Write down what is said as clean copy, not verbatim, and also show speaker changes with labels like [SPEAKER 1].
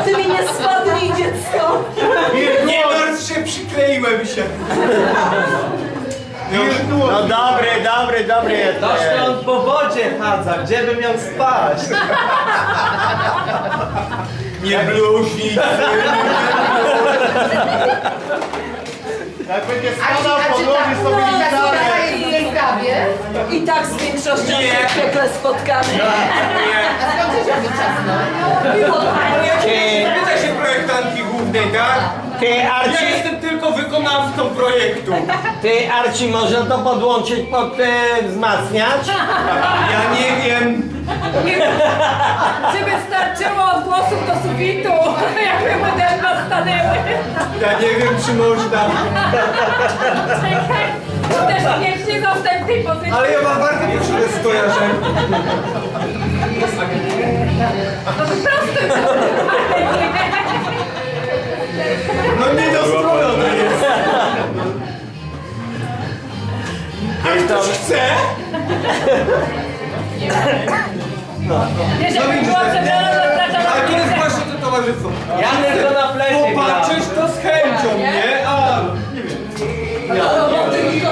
[SPEAKER 1] Ty mi nie spadnij, dziecko!
[SPEAKER 2] Nie martw się, przykleiłem się.
[SPEAKER 3] No dobry jesteś.
[SPEAKER 4] Toż to on po wodzie chadza, gdzie by miał spać?
[SPEAKER 2] Nie bluźnij.
[SPEAKER 3] Jak będzie spadał, podłoży sobie gitarę.
[SPEAKER 5] tej sprawie?
[SPEAKER 1] I tak z większością się piekle spotkamy.
[SPEAKER 5] A skąd się robi ciasno?
[SPEAKER 2] Pytaj się projektantki głównej, tak?
[SPEAKER 3] Ty
[SPEAKER 2] Ja
[SPEAKER 3] Arci,
[SPEAKER 2] jestem tylko wykonawcą projektu.
[SPEAKER 3] można to podłączyć pod wzmacniacz?
[SPEAKER 2] Ja nie wiem.
[SPEAKER 6] Czy wystarczyło odgłosów do sufitu, jakby moderne stanęły?
[SPEAKER 2] Ja nie wiem, czy można.
[SPEAKER 6] Czekaj, bo też nie zostań w tej pozycji.
[SPEAKER 2] Ale ja mam bardzo potrzebne skojarzenie.
[SPEAKER 6] To po prostu.
[SPEAKER 2] No nie dostrojone jest. Ale ktoś chce?
[SPEAKER 6] Wiesz, jakby było, żeby